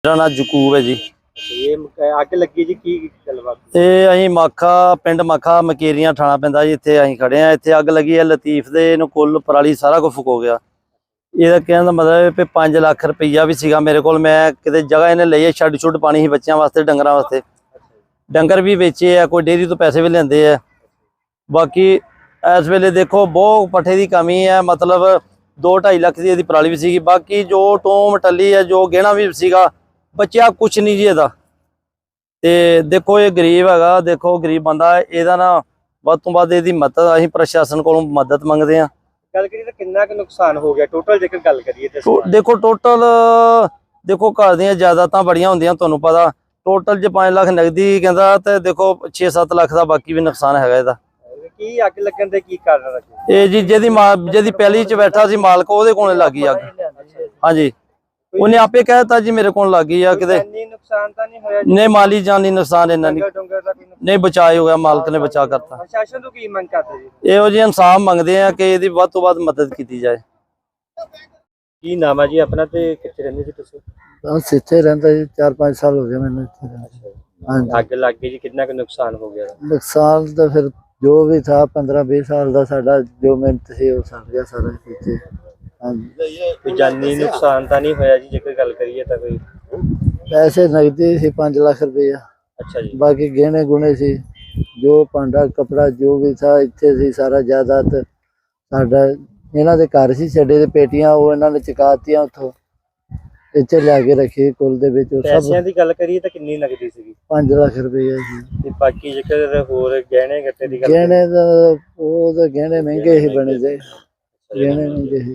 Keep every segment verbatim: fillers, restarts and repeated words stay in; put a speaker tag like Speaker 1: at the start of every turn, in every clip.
Speaker 1: मेरा नाम जकूब है जी।
Speaker 2: ये ਅੱਗ ਲੱਗੀ ਜੀ ਕੀ ਗੱਲਬਾਤ?
Speaker 1: ਇਹ ਅਸੀਂ ਮਾਖਾ ਪਿੰਡ ਮਾਖਾ ਮਕੇਰੀਆਂ ਥਾਣਾ ਪੈਂਦਾ ਜੀ। ਇੱਥੇ ਅਸੀਂ ਖੜੇ ਆ। ਇੱਥੇ ਅੱਗ ਲੱਗੀ ਹੈ ਲਤੀਫ ਦੇ। ਇਹਨੂੰ ਕੁੱਲ ਪਰਾਲੀ ਸਾਰਾ ਕੁਝ ਫੁਕੋ ਗਿਆ। ਇਹਦਾ ਕਹਿਣ ਦਾ ਮਤਲਬ ਹੈ ਵੀ ਪੰਜ ਲੱਖ ਰੁਪਈਆ ਵੀ ਸੀਗਾ ਮੇਰੇ ਕੋਲ। ਮੈਂ ਕਿਤੇ ਜਗ੍ਹਾ ਇਹਨੇ ਲਈ ਹੈ, ਛੱਡ ਛੁੱਟ ਪਾਣੀ ਸੀ ਬੱਚਿਆਂ ਵਾਸਤੇ, ਡੰਗਰਾਂ ਵਾਸਤੇ। ਡੰਗਰ ਵੀ ਵੇਚੇ ਆ, ਕੋਈ ਡੇਅਰੀ ਤੋਂ ਪੈਸੇ ਵੀ ਲੈਂਦੇ ਆ। ਬਾਕੀ ਇਸ ਵੇਲੇ ਦੇਖੋ ਬਹੁਤ ਪੱਠੇ ਦੀ ਕਮੀ ਹੈ। ਮਤਲਬ ਦੋ ਢਾਈ ਲੱਖ ਦੀ ਇਹਦੀ ਪਰਾਲੀ ਵੀ ਸੀਗੀ। ਬਾਕੀ ਜੋ ਟੋਮ ਟੱਲੀ ਹੈ, ਜੋ ਗਹਿਣਾ ਵੀ ਸੀਗਾ, बच्चा कुछ नहीं जी। ਇਹਦਾ ਤੇ ਦੇਖੋ ਇਹ ਗਰੀਬ ਹੈਗਾ। ਦੇਖੋ ਗਰੀਬ ਬੰਦਾ ਇਹਦਾ ਨਾ ਵੱਧ ਤੋਂ ਵੱਧ ਇਹਦੀ ਮਦਦ ਅਸੀਂ ਪ੍ਰਸ਼ਾਸਨ ਕੋਲੋਂ ਮਦਦ ਮੰਗਦੇ ਆ।
Speaker 2: ਗੱਲ ਕਰੀਏ ਤਾਂ ਕਿੰਨਾ ਕੁ ਨੁਕਸਾਨ ਹੋ ਗਿਆ ਟੋਟਲ ਜੇਕਰ ਗੱਲ ਕਰੀਏ ਤੇ?
Speaker 1: ਦੇਖੋ ਟੋਟਲ ਦੇਖੋ ਘਰ ਦੀਆਂ ਜਾਇਦਾਦਾਂ ਬੜੀਆਂ ਹੁੰਦੀਆਂ, ਤੁਹਾਨੂੰ ਪਤਾ। ਟੋਟਲ ਜੇ ਪੰਜ ਲੱਖ ਨਗਦੀ ਕਹਿੰਦਾ ਤੇ ਦੇਖੋ ਛੇ ਸੱਤ ਲੱਖ ਦਾ ਬਾਕੀ ਵੀ ਨੁਕਸਾਨ ਹੈਗਾ ਇਹਦਾ।
Speaker 2: ਕੀ ਅੱਗ ਲੱਗਣ ਦੇ ਕੀ ਕਾਰਨ ਲੱਗੇ?
Speaker 1: ਇਹ ਜੀ ਜਿਹਦੀ ਜਿਹਦੀ ਪਹਿਲੀ ਚ ਬੈਠਾ ਸੀ ਮਾਲਕ, ਉਹਦੇ ਕੋਲੇ ਲੱਗੀ ਅੱਗ। ਹਾਂਜੀ, ਉਹਨੇ ਆਪੇ ਕਹਿਤਾ ਜੀ ਮੇਰੇ ਕੋਲ ਲੱਗੀ ਆ। ਕਿਤੇ
Speaker 2: ਨੁਕਸਾਨ ਤਾਂ ਨਹੀਂ ਹੋਇਆ?
Speaker 1: ਨਹੀਂ, ਮਾਲੀ ਜਾਨੀ ਨੁਕਸਾਨ ਇਹਨਾਂ ਨੇ ਨਹੀਂ, ਬਚਾਅ ਹੋ ਗਿਆ। ਮਾਲਕ ਨੇ ਬਚਾ ਕਰਤਾ।
Speaker 2: ਪ੍ਰਸ਼ਾਸਨ ਤੋਂ ਕੀ ਮੰਗ ਕਰਦੇ ਜੀ?
Speaker 1: ਇਹੋ ਜਿਹੇ ਇਨਸਾਫ ਮੰਗਦੇ ਆ ਕਿ ਇਹਦੀ ਵੱਧ ਤੋਂ ਵੱਧ ਮਦਦ ਕੀਤੀ ਜਾਏ।
Speaker 2: ਕੀ ਨਾਮ ਹੈ ਜੀ ਆਪਣਾ ਤੇ ਕਿੱਥੇ ਰਹਿੰਦੇ ਜੀ ਤੁਸੀਂ?
Speaker 3: ਬਸ ਇੱਥੇ ਰਹਿੰਦਾ ਜੀ, ਚਾਰ ਪੰਜ ਸਾਲ ਹੋ ਗਏ ਮੈਨੂੰ ਇੱਥੇ ਰਹਿੰਦੇ। ਹਾਂਜੀ,
Speaker 2: ਅੱਗ ਲੱਗ ਗਈ ਜੀ, ਕਿੰਨਾ ਕੁ ਨੁਕਸਾਨ ਹੋ ਗਿਆ?
Speaker 3: ਨੁਕਸਾਨ ਤਾਂ ਫਿਰ ਜੋ ਵੀ ਥਾ ਪੰਦਰਾਂ ਵੀਹ ਸਾਲ ਦਾ ਸਾਡਾ ਜੋ ਮਿਹਨਤ ਸੀ ਉਹ ਸੜ ਗਿਆ ਸਾਰਾ ਇੱਥੇ। ਹਾਂਜੀ,
Speaker 2: ਕੋਈ ਜਾਨੀ ਨੁਕਸਾਨ ਤਾਂ ਨਹੀਂ ਹੋਇਆ ਜੀ ਜੇਕਰ ਗੱਲ ਕਰੀਏ ਤਾਂ? ਕੋਈ
Speaker 3: ਪੈਸੇ ਨਗਦੀ ਸੀ ਪੰਜ ਲੱਖ ਰੁਪਇਆ।
Speaker 2: ਅੱਛਾ ਜੀ।
Speaker 3: ਬਾਕੀ ਗਹਿਣੇ ਗੁਣੇ ਸੀ, ਜੋ ਭਾਂਡਾ ਕਪੜਾ ਜੋ ਵੀ ਥਾ ਇੱਥੇ ਸੀ ਸਾਰਾ ਜਾਇਦਾਦ ਸਾਡਾ। ਇਹਨਾਂ ਦੇ ਘਰ ਸੀ ਛੱਡੇ ਦੇ ਪੇਟੀਆਂ, ਉਹ ਇਹਨਾਂ ਨੇ ਚੁਕਾਤੀਆਂ ਉੱਥੋਂ ਇੱਥੇ ਲਿਆ ਕੇ ਰੱਖੀ ਕੁੱਲ ਦੇ ਵਿੱਚ।
Speaker 2: ਪੈਸਿਆਂ ਦੀ ਗੱਲ ਕਰੀਏ ਤਾਂ ਕਿੰਨੀ ਨਗਦੀ ਸੀਗੀ?
Speaker 3: ਪੰਜ ਲੱਖ ਰੁਪਇਆ ਸੀ।
Speaker 2: ਤੇ ਬਾਕੀ ਜੇਕਰ ਹੋਰ ਗਹਿਣੇ ਗੱਟੇ ਦੀ ਗੱਲ?
Speaker 3: ਗਹਿਣੇ ਦਾ ਉਹ ਤਾਂ ਗਹਿਣੇ ਮਹਿੰਗੇ ਹੀ ਬਣੇ ਦੇ, ਗਹਿਣੇ ਮਹਿੰਗੇ ਸੀ।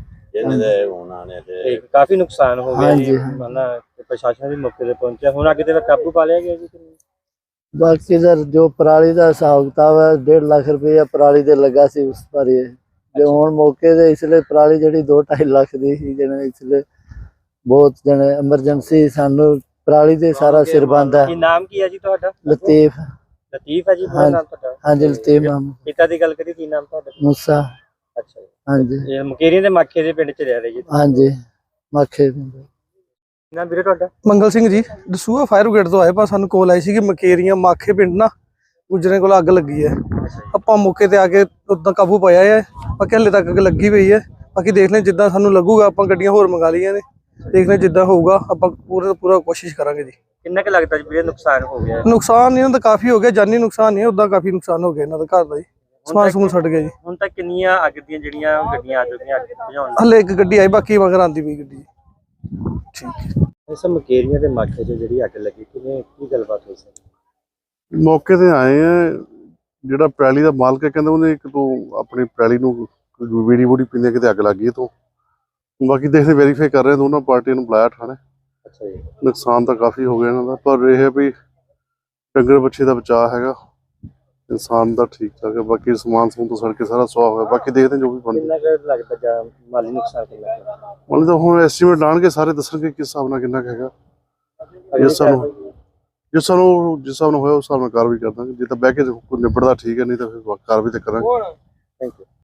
Speaker 2: ਤੇ ਕਾਫੀ ਨੁਕਸਾਨ ਹੋ ਗਿਆ ਜੀ।
Speaker 3: ਹਾਂਜੀ।
Speaker 2: ਮਤਲਬ ਪ੍ਰਸ਼ਾਸਨ ਵੀ ਮੌਕੇ ਤੇ ਪਹੁੰਚਿਆ। ਹੁਣ ਅੱਗੇ ਤੇ ਕਾਬੂ ਪਾ ਲਿਆ ਗਿਆ ਜੀ?
Speaker 3: ਬਾਕੀ ਦਾ ਜੋ ਪਰਾਲੀ ਦਾ ਹਿਸਾਬ ਕਿਤਾਬ ਹੈ, ਡੇਢ ਲੱਖ ਰੁਪਇਆ ਪਰਾਲੀ ਦੇ ਲੱਗਾ ਸੀ ਉਸ ਪਰ। ਜੇ ਹੁਣ ਮੌਕੇ ਦੇ ਇਸ ਲਈ ਪਰਾਲੀ ਜਿਹੜੀ ਦੋ ਢਾਈ ਲੱਖ ਦੀ ਸੀ, ਜਿਹਨੇ ਇਸ ਲਈ ਬਹੁਤ ਜਣੇ ਐਮਰਜੈਂਸੀ ਸਾਨੂੰ ਪਰਾਲੀ ਦੇ ਸਾਰਾ ਸਿਰ ਬੰਦਾ।
Speaker 2: ਕੀ ਨਾਮ ਕੀ ਹੈ ਜੀ ਤੁਹਾਡਾ?
Speaker 3: ਲਤੀਫ।
Speaker 2: ਲਤੀਫ ਹੈ ਜੀ ਪੂਰਾ ਨਾਮ ਤੁਹਾਡਾ?
Speaker 3: ਹਾਂਜੀ, ਲਤੀਫ ਨਾਮ।
Speaker 2: ਪਿਤਾ ਦੀ ਗੱਲ ਕਰੀ ਕੀ ਨਾਮ ਤੁਹਾਡਾ?
Speaker 3: ਮੂਸਾ।
Speaker 2: ਅੱਛਾ ਜੀ।
Speaker 3: ਹਾਂਜੀ,
Speaker 2: ਇਹ ਮਕੇਰੀਆਂ ਦੇ ਮਾਖੇ ਦੇ ਪਿੰਡ ਚ ਰਹਿ ਰਹੇ ਜੀ?
Speaker 3: ਹਾਂਜੀ, ਮਾਖੇ।
Speaker 2: ਨਾ ਵੀਰੇ ਤੁਹਾਡਾ?
Speaker 4: ਮੰਗਲ ਸਿੰਘ ਜੀ, ਦਸੂਹਾ ਫਾਇਰ ਬ੍ਰਿਗੇਡ ਤੋਂ ਆਏ। ਪਰ ਸਾਨੂੰ ਕੋਲ ਆਈ ਸੀ ਕਿ ਮਕੇਰੀਆਂ ਮਾਖੇ ਪਿੰਡ ਨਾ ਗੁਜਰੇ ਕੋਲ ਅੱਗ ਲੱਗੀ ਹੈ। ਆਪਾਂ ਮੌਕੇ ਤੇ ਆ ਕੇ ਉਦਾਂ ਕਾਬੂ ਪਾਇਆ ਹੈ। ਬਾਕੀ ਹਲੇ ਤੱਕ ਅੱਗ ਲੱਗੀ ਪਈ ਹੈ। ਬਾਕੀ ਦੇਖ ਲੈ ਜਿੱਦਾਂ ਸਾਨੂੰ ਲੱਗੂਗਾ, ਆਪਾਂ ਗੱਡੀਆਂ ਹੋਰ ਮੰਗਾ ਲਈਆਂ ਨੇ। ਦੇਖ ਲੈ ਜਿੱਦਾਂ ਹੋਊਗਾ ਆਪਾਂ ਪੂਰੇ ਪੂਰਾ ਕੋਸ਼ਿਸ਼ ਕਰਾਂਗੇ ਜੀ।
Speaker 2: ਕਿੰਨਾ ਕੁ ਲੱਗਦਾ ਜੀ ਵੀਰੇ ਨੁਕਸਾਨ ਹੋ ਗਿਆ?
Speaker 4: ਨੁਕਸਾਨ ਇਹਨਾਂ ਦਾ ਕਾਫੀ ਹੋ ਗਿਆ, ਜਾਨੀ ਨੁਕਸਾਨ ਨਹੀਂ, ਉਦਾਂ ਕਾਫੀ ਨੁਕਸਾਨ ਹੋ ਗਿਆ ਇਹਨਾਂ ਦਾ ਘਰ ਦਾ ਜੀ। ਸਮਾਨ ਸਮੂਨ ਛੱਡ ਗਿਆ ਜੀ।
Speaker 2: ਹੁਣ ਤੱਕ ਕਿੰਨੀਆਂ ਅੱਗ ਦੀਆਂ ਜਿਹੜੀਆਂ ਗੱਡੀਆਂ ਆ ਚੁੱਕੀਆਂ ਅੱਗ ਬੁਝਾਉਣ?
Speaker 4: ਹਲੇ ਇੱਕ ਗੱਡੀ ਆਈ, ਬਾਕੀ ਮਗਰ ਆਂਦੀ ਪਈ ਗੱਡੀ। ਠੀਕ ਹੈ।
Speaker 2: ਇਸ ਮਕੇਰੀਆਂ ਦੇ ਮਾਖੇ 'ਚ ਜਿਹੜੀ ਅੱਗ ਲੱਗੀ, ਕਿਵੇਂ ਕੀ ਗੱਲਬਾਤ ਹੋਈ ਸੀ?
Speaker 5: ਮੌਕੇ ਤੇ ਆਏ ਆ। ਜਿਹੜਾ ਪੈਲੀ ਦਾ ਮਾਲਕ ਹੈ ਕਹਿੰਦਾ ਉਹਨੇ ਇੱਕ ਤੋਂ ਆਪਣੀ ਪੈਲੀ ਨੂੰ ਵੀੜੀ ਵੂੜੀ ਪੀਂਦੇ ਕਿਤੇ ਅੱਗ ਲੱਗ ਗਈ। ਤੋਂ ਬਾਕੀ ਦੇਖਦੇ ਵੈਰੀਫਾਈ ਕਰ ਰਹੇ, ਦੋਨਾਂ ਪਾਰਟੀਆਂ ਨੂੰ ਬੁਲਾਇਆ ਥਾਣੇ।
Speaker 2: ਅੱਛਾ ਜੀ।
Speaker 5: ਨੁਕਸਾਨ ਤਾਂ ਕਾਫੀ ਹੋ ਗਿਆ ਇਹਨਾਂ ਦਾ, ਪਰ ਇਹ ਹੈ ਵੀ ਡੰਗਰ ਬੱਚੇ ਦਾ ਬਚਾਅ ਹੈਗਾ, ਇਨਸਾਨ ਦਾ ਠੀਕ ਠਾਕ ਹੈ। ਬਾਕੀ ਸਮਾਨ ਸਮੂਨ ਤੋਂ ਸੜ ਕੇ ਸਾਰਾ ਸੁਆਹ ਹੋਇਆ। ਬਾਕੀ ਦੇਖਦੇ ਜੋ ਵੀ ਬਣਦਾ।
Speaker 2: ਕਿੰਨਾ ਕੁ ਲੱਗਦਾ ਜਾਂ ਮਾਲੀ ਨੁਕਸਾਨ ਕਿੰਨਾ ਕੁ?
Speaker 5: ਮਤਲਬ ਤਾਂ ਹੁਣ ਐਸਟੀਮੇਟ ਲਾਣਗੇ, ਸਾਰੇ ਦੱਸਣਗੇ ਕਿਸ ਹਿਸਾਬ ਨਾਲ ਕਿੰਨਾ ਕੁ ਹੈਗਾ। ਜਿਸ ਸਾਨੂੰ ਜਿਸ ਸਾਨੂੰ ਜਿਸ ਹਿਸਾਬ ਨਾਲ ਹੋਇਆ ਉਸ ਹਿਸਾਬ ਨਾਲ ਕਾਰਵਾਈ ਕਰ ਦਾਂਗੇ। ਜੇ ਤਾਂ ਬਹਿ ਕੇ ਕੋਈ ਨਿਬੜਦਾ ਠੀਕ ਹੈ, ਨਹੀਂ ਤਾਂ ਫਿਰ ਕਾਰਵਾਈ ਤਾਂ ਕਰਾਂਗੇ।
Speaker 2: Thank you.